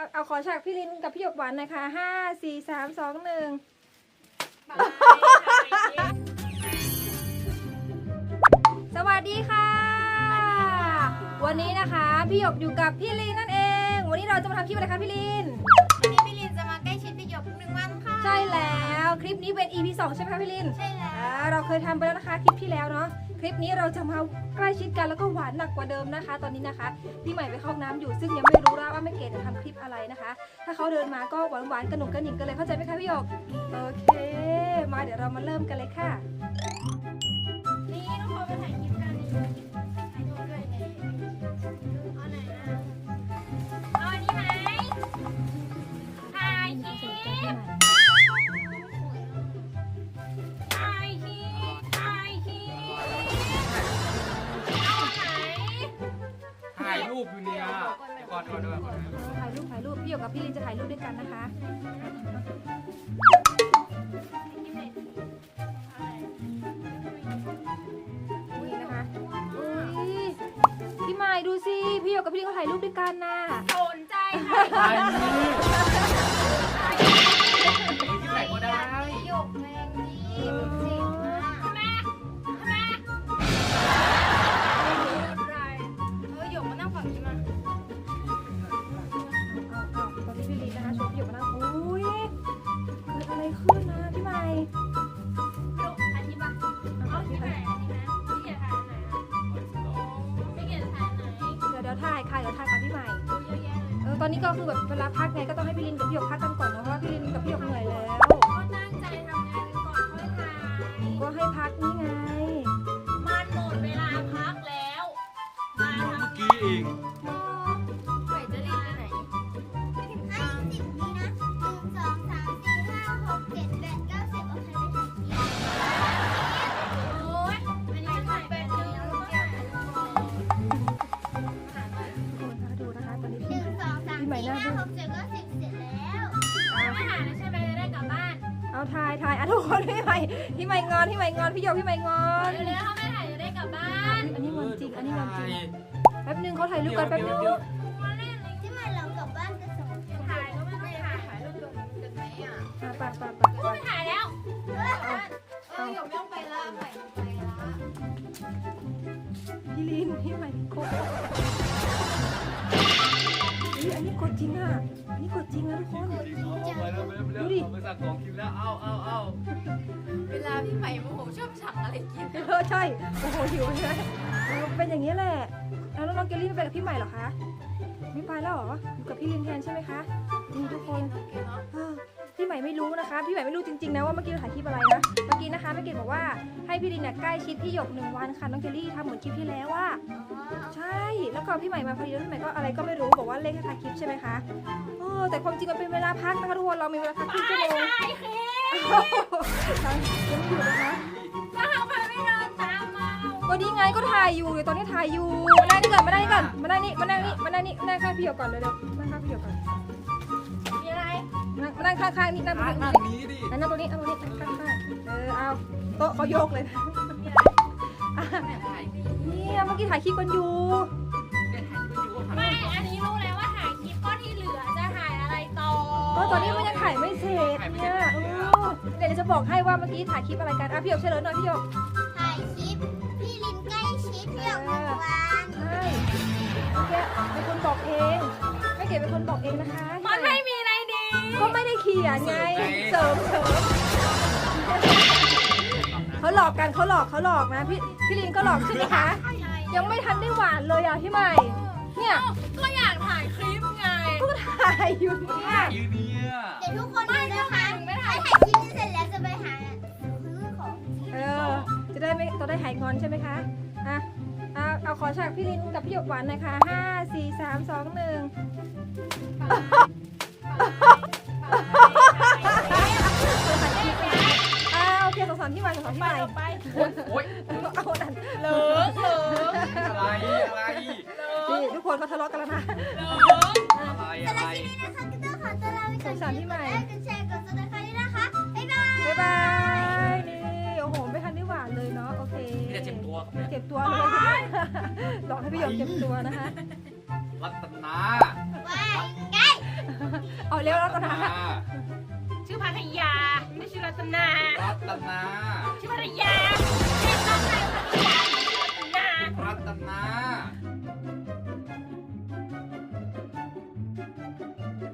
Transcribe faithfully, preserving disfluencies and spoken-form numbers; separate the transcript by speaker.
Speaker 1: เอาขอฉากพี่ลินกับพี่หยกหวานนะคะห้าสี่สามสองหนึ่งสวัสดีค่ะ วันนี้นะคะพี่หยกอยู่กับพี่ลินนั่นเอง วันนี้เราจะมาทำคลิปอะไรคะพี่ลิน
Speaker 2: วันนี้พี่ลินจะมาใกล้ชิดพี่หยกหนึ่งวันค่ะ
Speaker 1: ใช่แล้วคลิปนี้เป็น อี พี สองใช่ไหมคะพี่ลิน
Speaker 2: ใช่แล้ว
Speaker 1: เราเคยทำไปแล้วนะคะคลิปที่แล้วเนาะคลิปนี้เราจะมาใกล้ชิดกันแล้วก็หวานหนักกว่าเดิมนะคะ ตอนนี้นะคะพี่ใหม่ไปเข้าห้องน้ำอยู่ซึ่งยังไม่รู้นะว่าแม่เกดจะทำคลิปอะไรนะคะถ้าเขาเดินมาก็หวานหวานกระหนุ่มกระหนิ่งกันเลยเข้าใจไหมคะพี่หยกโอเคมาเดี๋ยวเรามาเริ่มกันเลยค่ะ
Speaker 2: นี่น้องพอมาถ่ายคลิปกันนี่ถ่ายรูปด้วยไงเอาไหนนะเอาอันนี้ไหมถ่ายคลิปถ่ายคลิปถ่ายคลิปเอาไหน
Speaker 3: ถ่ายรูปอยู่เนี่ยเดี๋ยวก่อนก่อนด้วยก่อนด้วย
Speaker 1: ถ่ายรูปถ่ายรูปพี่หยกกับพี่ลินจะถ่ายรูปด้วยกันนะคะนี่นะคะอุ้ยพี่ใหม่ดูสิพี่หยกกับพี่ลินเขาถ่ายรูปด้วยกันน่ะ
Speaker 2: สนใจค่ะ
Speaker 3: ถ่ายนี่ที่ไหนก็ได้
Speaker 2: พี่หยกแมงนี่เป็นสิ่งมากแม่แม่อะไรเออหยกมานั่งฝั่งนี้มา
Speaker 1: เอาเอาตอนนี้พี่ลินนะคะชวนพี่หยกมานั่งอุ้ยเกิดอะไรขึ้นนะพี่ใหม่
Speaker 2: ลูกอันนี้ปะเอาที่ไหนอันนี้นะพี่เกียรถ่ายไหนอ่ะพี่เกียรถ่ายไหน
Speaker 1: เดี๋ยวเดี๋ยวถ่ายค่ะเดี๋ยวถ่ายกับพี่ใหม่
Speaker 2: ดูเยอะแยะเลย
Speaker 1: เออตอนนี้ก็คือแบบเวลาพักไงก็ต้องให้พี่ลินกับพี่หยกพักกันก่อนเนาะเพราะว่าพี่ลินกับพี่หยกเหนื่อยแล้ว
Speaker 2: ก็ตั้งใจทำงานกันก่อนค่อยถ่าย
Speaker 1: ก็ให้พักนี่ไง
Speaker 2: มันหมดเวลาพักแล้วมาทำ
Speaker 3: เมื่อกี้เอง
Speaker 2: ไหวจะรีบไปไหน
Speaker 4: ให้สิบนี้นะหนึ่งสองสามสี่ห้าหกเจ็ดแปดเก้าสิบโอเคไปถ่ายคลิป
Speaker 2: โอ๊ยอันนี้ถ่ายแป๊บนึงแล้วก็ถ่ายรูปก่อนหาหน่อย
Speaker 1: ทุกคนคะดูนะคะตอนนี้
Speaker 4: ห
Speaker 1: พี่
Speaker 4: นึ่งสองสามสี่ห้าหกเจ็ดเก้าสิบเสร็จแล้ว
Speaker 2: ไม่หาแล้วใช่ไหมจะได้กลับบ้าน
Speaker 1: เอาถ่ายถ่ายอ่ะทุกคนพี่ใหม่พี่ใหม่งอนพี่ใหม่งอนพี่หยกพี่ใหม่งอน
Speaker 2: เร็วๆถ้าไม่ถ่ายจะได้กลับบ้าน
Speaker 1: อันนี้งอนจริงอันนี้งอนจริงแป๊บนึงเขาถ่ายรูปกันแป๊บนึง
Speaker 2: มาเล่นเลย
Speaker 4: ที่มาเรากลับบ้านกันสองคน
Speaker 2: ถ่ายก็ไม่ต้องถ่ายถ่ายรูปกันกันไหมอ่ะ
Speaker 1: อ่ะไปไปไปไป
Speaker 2: ไม่ถ่ายแล้ว
Speaker 4: เออหยกไม่ต้องไปละใหม่ต้องไปละ
Speaker 1: พี่ลินพี่ใหม่กดอุ๊ยอันนี้กดจริงอ่ะอันนี้กดจริงนะทุกคน
Speaker 3: เอาไปแล้วไปแล้วไปแล้วเอาไปสั่งของกินแล้วเอาเอาเอา
Speaker 2: เวลาพี่ใหม่โมโหชอบสั่งอะไรกิน
Speaker 1: เออใช่โอ้โหหิวใช่ไหมเออเป็นอย่างนี้แหละแล้วน้องเกลลี่ไม่ไปกับพี่ใหม่เหรอคะไม่ไปแล้วเหรออยู่กับพี่ลินแทนใช่ไหมคะนี่ทุกคนเออพี่ใหม่ไม่รู้นะคะพี่ใหม่ไม่รู้จริงๆนะว่าเมื่อกี้เราถ่ายคลิปอะไรนะเมื่อกี้นะคะแม่เกดบอกว่าให้พี่ลินเนี่ยใกล้ชิดพี่หยกหนึ่งวันค่ะน้องเกลลี่ทำเหมือนคลิปที่แล้วว่าใช่แล้วก็พี่ใหม่มาพอดีแล้วพี่ใหม่ก็อะไรก็ไม่รู้บอกว่าเลขให้ถ่ายคลิปใช่ไหมคะเออแต่ความจริงมันเป็นเวลาพักนะคะทุกคนเรามีเวลาพักครึ่งชั่วโมง
Speaker 2: ถ่ายคลิป
Speaker 1: ยังไม่อยู่นะคะ
Speaker 2: ก็ทำไมไม่เดินตามมา
Speaker 1: ก็ดีไงก็ถ่ายอยู่เดี๋ยวตอนนี้ถ่ายอยู่มานั่งนี่ก่อนมานั่งนี่ก่อนมานั่งนี่มานั่งนี่มานั่งนี่มานั่งข้างพี่หยกก่อนเร็วๆนั่งข้างพี่หยกก่อน
Speaker 2: มีอะไร
Speaker 1: นั่งมานั่งข้างๆนี่นั่งตรง
Speaker 3: นั่
Speaker 1: นี้
Speaker 3: งนี้ดิ
Speaker 1: นั่งตรงนี้นั่งตรงนี้นั่งข้างๆเออเอาโต๊ะเขาโยกเลยนะอ่ะเนี่ยเมื่อกี้ถ่ายคลิปกันอยู่
Speaker 2: ไม่อันนี้รู้แล้วว่าถ่ายคลิปก็ที่เหลือจะถ่ายอะไรต่อ
Speaker 1: ก็ตอนนี้มันยังถ่ายไม่เสร็จเนี่ยเออเดี๋ยวจะบอกให้ว่าเมื่อกี้ถ่ายคลิปอะไรกันอ่ะพี่หยกเฉลยหน่อยพี่หยก
Speaker 4: ถ่ายคลิปพี่ลินใกล้ชิดพี่หยกหนึ่งวัน
Speaker 1: ใช่เมื่อกี้เป็นคนบอกเองไม่เก๋เป็นคนบอกเองนะคะ
Speaker 2: มันไม่มีอะไรดี
Speaker 1: ก็ไม่ได้เขียนไงเสริมเสริมเขาหลอกกันเขาหลอกเขาหลอกนะพี่พี่ลินก็หลอกใช่ไหมคะยังไม่ทันได้หวานเลยอ่ะพี่ใหม่เนี่ย
Speaker 2: ก็อยากถ่ายคลิปไง
Speaker 1: ก็ถ่ายอยู่เนี่ย
Speaker 3: ยืนเนี่ย
Speaker 4: เดี๋ยวทุกคนดูนะคะ
Speaker 2: ไม่
Speaker 4: ถ้า
Speaker 2: ถ่าย
Speaker 4: ถ่ายคลิปนี้เสร็จแล้วจะไปหาซื้อของ
Speaker 1: เออจะได้ไม่จะได้หายงอนใช่ไหมคะอ่ะเอาเอาขอฉากพี่ลินกับพี่หยกหวานหน่อยค่ะห้าสี่สามสองหนึ่งอ่าโอเคสงสารพี่ใหม่สงสารพี่ใหม่
Speaker 2: ไป
Speaker 3: โอ๊ย
Speaker 1: เอาดัน
Speaker 2: เหลืองเหลือง
Speaker 3: อะไรอะไร
Speaker 1: นี่ทุกคนเขาทะเลาะกันแล้วนะ
Speaker 3: อะไร
Speaker 4: สำห
Speaker 3: อะไร
Speaker 4: รับคลิปนี้นะคะก็ต้องขอตัวลาไปก่อน
Speaker 1: สงสารพี่ใหม่
Speaker 4: กดไลค์กดแชร์กดซับสไครต์ด้วยนะคะบ๊ายบาย
Speaker 1: บ๊ายบายนี่โอ้โหไม่ทันได้หวานเลยเนาะโอเค
Speaker 3: นี่จะเจ็บตัว
Speaker 1: เจ็บตัวเลยหลอกให้พี่หยกเจ็บตัวนะคะ
Speaker 3: รัตนา
Speaker 4: ว่าไง
Speaker 1: เร็วรัตนา
Speaker 2: ชื่อพัทยาไม่ใช่รัตนา
Speaker 3: รัตนา
Speaker 2: ชื่อพัทยา